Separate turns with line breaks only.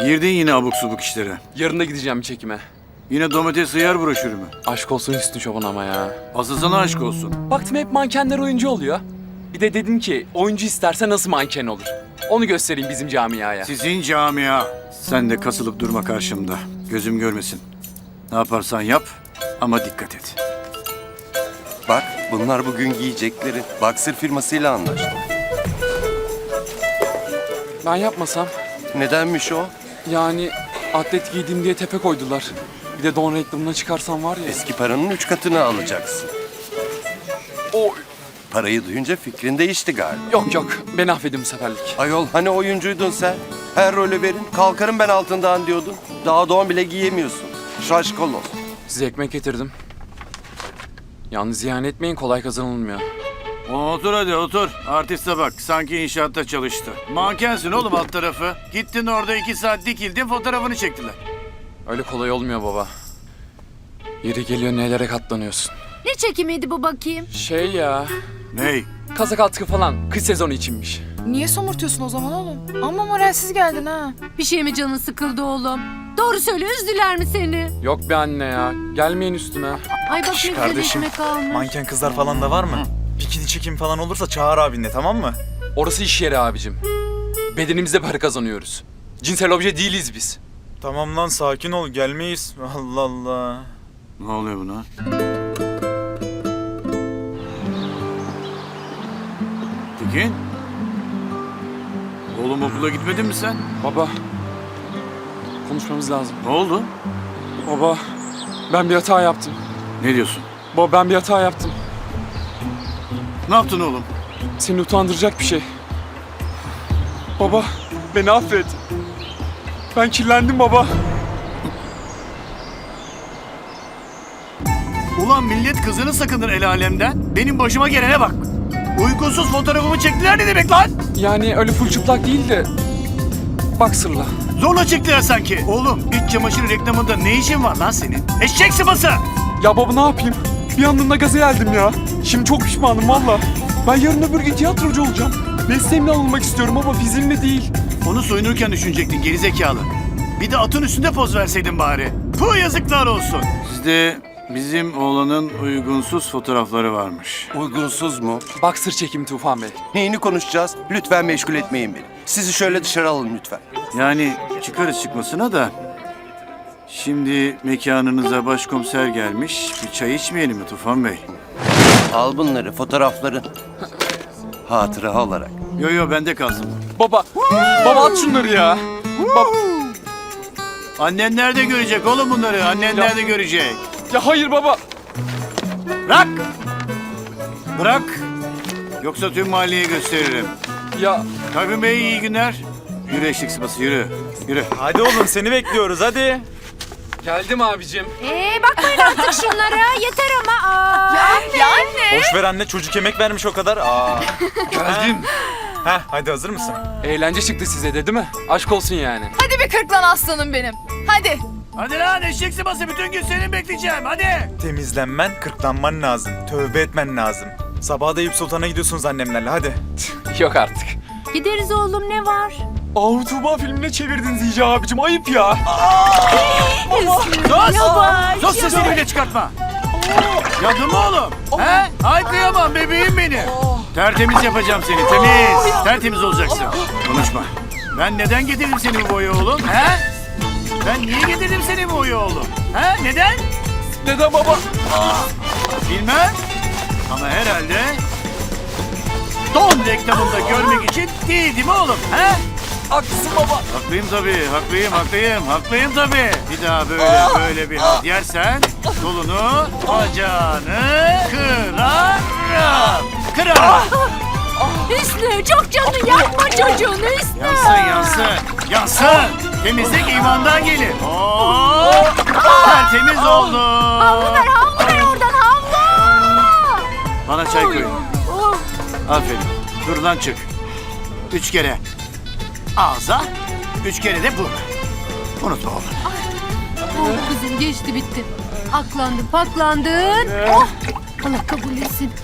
Girdin yine abuk subuk işlere.
Yarın da gideceğim bir çekime.
Yine domates hıyar broşürü mü?
Aşk olsun Hüsnü Çoban ama ya.
Asıl sana aşk olsun.
Baktım hep mankenler oyuncu oluyor. Bir de dedim ki oyuncu isterse nasıl manken olur? Onu göstereyim bizim camiaya.
Sizin camia. Sen de kasılıp durma karşımda. Gözüm görmesin. Ne yaparsan yap ama dikkat et.
Bak bunlar bugün giyecekleri. Boxer firmasıyla anlaştım.
Ben yapmasam
Nedenmiş o?
yani atlet giydim diye tepe koydular. Bir de don reklamına çıkarsam var ya.
Eski paranın 3 katını alacaksın.
O
Parayı duyunca fikrin değişti galiba.
yok beni affedin bu seferlik.
Ayol hani oyuncuydun sen? Her rolü verin kalkarım ben altından diyordun. Daha don bile giyemiyorsun. Şaşkaloz.
Size ekmek getirdim. Yalnız ziyan etmeyin, kolay kazanılmıyor.
Otur hadi otur. Artiste bak sanki inşaatta çalıştı. Mankensin oğlum alt tarafı. Gittin orada 2 saat dikildin fotoğrafını çektiler.
Öyle kolay olmuyor baba. Yeri geliyor nelere katlanıyorsun.
Ne çekimiydi bu bakayım?
Şey ya,
Ney?
kazak atkı falan kış sezonu içinmiş.
Niye somurtuyorsun o zaman oğlum? Ama moralsiz geldin ha.
Bir şey mi canın sıkıldı oğlum? Doğru söyle, üzdüler mi seni?
Yok be anne ya, gelmeyin üstüme.
Ay bak ne güzel
kardeşim,
ekmek almış.
Manken kızlar falan da var mı? Bikini çekim falan olursa çağır abinle, tamam mı?
Orası iş yeri abicim. Bedenimizde para kazanıyoruz. Cinsel obje değiliz biz.
Tamam lan sakin ol, gelmeyiz. Allah Allah.
Ne oluyor buna? Tekin? Oğlum okula gitmedin mi sen?
Baba, konuşmamız lazım.
Ne oldu?
Baba, ben bir hata yaptım.
Ne diyorsun?
Baba ben bir hata yaptım.
Ne yaptın oğlum?
Seni utandıracak bir şey. Baba, beni affet. Ben kirlendim baba.
Ulan millet kızını sakınır el alemden. Benim başıma gelene bak. Uygunsuz fotoğrafımı çektiler ne demek lan?
Yani öyle full çıplak değil de... Boxer'la.
Zorla çektiler sanki. Oğlum iç çamaşır reklamında ne işin var lan senin? Eşek sıması!
Ya baba ne yapayım? Bir anda gaza geldim ya. Şimdi çok pişmanım valla. Ben yarın öbür gün tiyatrocu olacağım. Mesleğimle alınmak istiyorum ama fiziğimle değil.
Onu soyunurken düşünecektin gerizekalı. Bir de atın üstünde poz verseydin bari. Puh yazıklar olsun. Sizde bizim oğlanın uygunsuz fotoğrafları varmış.
Uygunsuz mu?
Boxer çekimi Tufan Bey.
Neyini konuşacağız? Lütfen meşgul etmeyin beni. Sizi şöyle dışarı alın lütfen.
Yani çıkarız çıkmasına da. Şimdi mekanınıza başkomiser gelmiş. Bir çay içmeyelim mi Tufan Bey?
Al bunları, fotoğrafları. Hatıra olarak.
Yo bende kalsın.
Baba, baba at şunları ya.
Annen nerede görecek oğlum bunları? Annen nerede görecek?
Ya hayır baba.
Bırak! Bırak! Yoksa tüm mahalleye gösteririm.
Ya
Tayfun Bey iyi günler. Yürü eşek sıpası yürü. Yürü.
Hadi oğlum seni bekliyoruz hadi.
geldim abicim.
Bakmayın artık şunlara. Yeter ama.
Ya anne.
Boş ver anne, çocuk emek vermiş o kadar.
Geldim.
Heh, hadi hazır mısın?
Eğlence çıktı size de değil mi? Aşk olsun yani.
Hadi bir kırk lan aslanım benim. Hadi.
Hadi lan eşek sıpası bütün gün seni bekleyeceğim hadi.
Temizlenmen, kırklanman lazım. Tövbe etmen lazım. Sabaha da Eyüp Sultan'a gidiyorsunuz annemlerle hadi.
Yok artık.
Gideriz oğlum, ne var?
Ahu Tuğba filmine çevirdiniz iyice abicim. Ayıp ya.
Sus! Sus sesini bile çıkartma. Yandın mı oğlum? He? Ay kıyamam bebeğim benim. Tertemiz yapacağım seni temiz. Tertemiz olacaksın. Konuşma. Ben neden getirdim seni bu boya oğlum? He? Ben niye getirdim seni bu boya oğlum? He? Neden?
Neden baba?
Bilmem. Ama herhalde don reklamında görmek için değil mi oğlum? He?
Haklısın baba.
Haklıyım tabii, haklıyım tabii. Bir daha böyle bir halt yersen kolunu, bacağını kırarım.
Hüsnü, çok canını yakma çocuğunu Hüsnü.
Yansın. Temizlik imandan gelir. Oo, tertemiz oldu.
Havlu ver oradan, havlu.
Bana çay koyun.
Oh.
Aferin. Dur lan çık. 3 kere ağza, 3 kere de burna. Unutma oğlum.
Oh kızım, geçti bitti. Aklandın paklandın. Oh. Allah kabul etsin.